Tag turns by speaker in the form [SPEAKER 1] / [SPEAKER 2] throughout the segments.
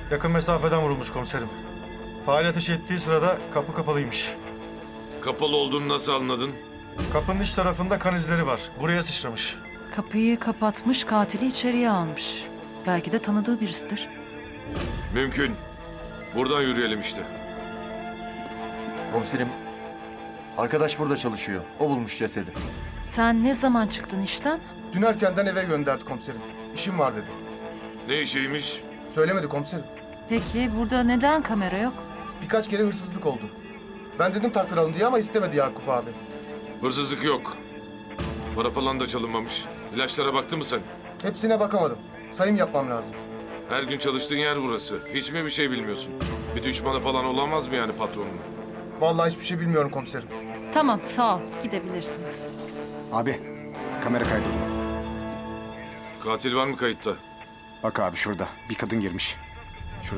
[SPEAKER 1] Yakın mesafeden vurulmuş komiserim. Faal ateş ettiği sırada kapı kapalıymış.
[SPEAKER 2] Kapalı olduğunu nasıl anladın?
[SPEAKER 1] Kapının iç tarafında kan izleri var. Buraya sıçramış.
[SPEAKER 3] Kapıyı kapatmış, katili içeriye almış. Belki de tanıdığı birisidir.
[SPEAKER 2] Mümkün. Buradan yürüyelim işte.
[SPEAKER 4] Komiserim, arkadaş burada çalışıyor. O bulmuş cesedi.
[SPEAKER 3] Sen ne zaman çıktın işten?
[SPEAKER 5] Dün erkenden eve gönderdi komiserim. İşim var dedi.
[SPEAKER 2] Ne işiymiş?
[SPEAKER 5] Söylemedi komiserim.
[SPEAKER 3] Peki burada neden kamera yok?
[SPEAKER 5] Birkaç kere hırsızlık oldu. Ben dedim tartıralım diye ama istemedi Yakup abi.
[SPEAKER 2] Hırsızlık yok. Para falan da çalınmamış. İlaçlara baktın mı sen?
[SPEAKER 5] Hepsine bakamadım. Sayım yapmam lazım.
[SPEAKER 2] Her gün çalıştığın yer burası. Hiç mi bir şey bilmiyorsun? Bir düşmanı falan olamaz mı yani patronun?
[SPEAKER 5] Vallahi hiçbir şey bilmiyorum komiserim.
[SPEAKER 3] Tamam, sağ ol. Gidebilirsiniz.
[SPEAKER 6] Abi, kamera kaydı.
[SPEAKER 2] Katil var mı kayıtta?
[SPEAKER 6] Bak abi şurada. Bir kadın girmiş. Şurada.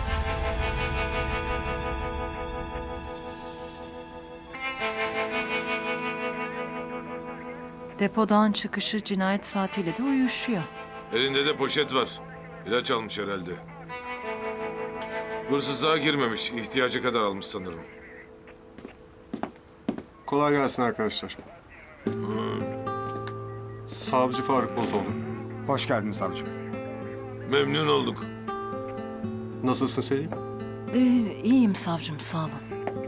[SPEAKER 3] Depodan çıkışı cinayet saatiyle de uyuşuyor.
[SPEAKER 2] Elinde de poşet var. İlaç almış herhalde. Hırsızlığa girmemiş. İhtiyacı kadar almış sanırım.
[SPEAKER 7] Kolay gelsin arkadaşlar. Savcı Faruk Bozoğlu.
[SPEAKER 6] Hoş geldin savcım.
[SPEAKER 2] Memnun olduk.
[SPEAKER 7] Nasılsın Selim?
[SPEAKER 3] İyiyim savcım, sağ olun.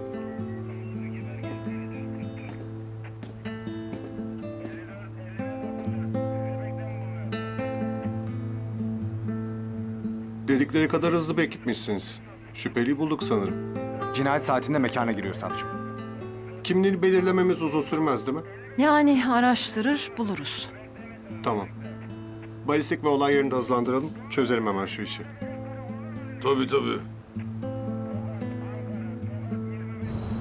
[SPEAKER 7] Dedikleri kadar hızlı bir ekipmişsiniz. Şüpheliyi bulduk sanırım.
[SPEAKER 6] Cinayet saatinde mekana giriyor savcım.
[SPEAKER 7] Kimliğini belirlememiz uzun sürmez değil mi?
[SPEAKER 3] Yani araştırır, buluruz.
[SPEAKER 7] Tamam. Balistik ve olay yerini de hızlandıralım. Çözelim hemen şu işi.
[SPEAKER 2] Tabii tabii.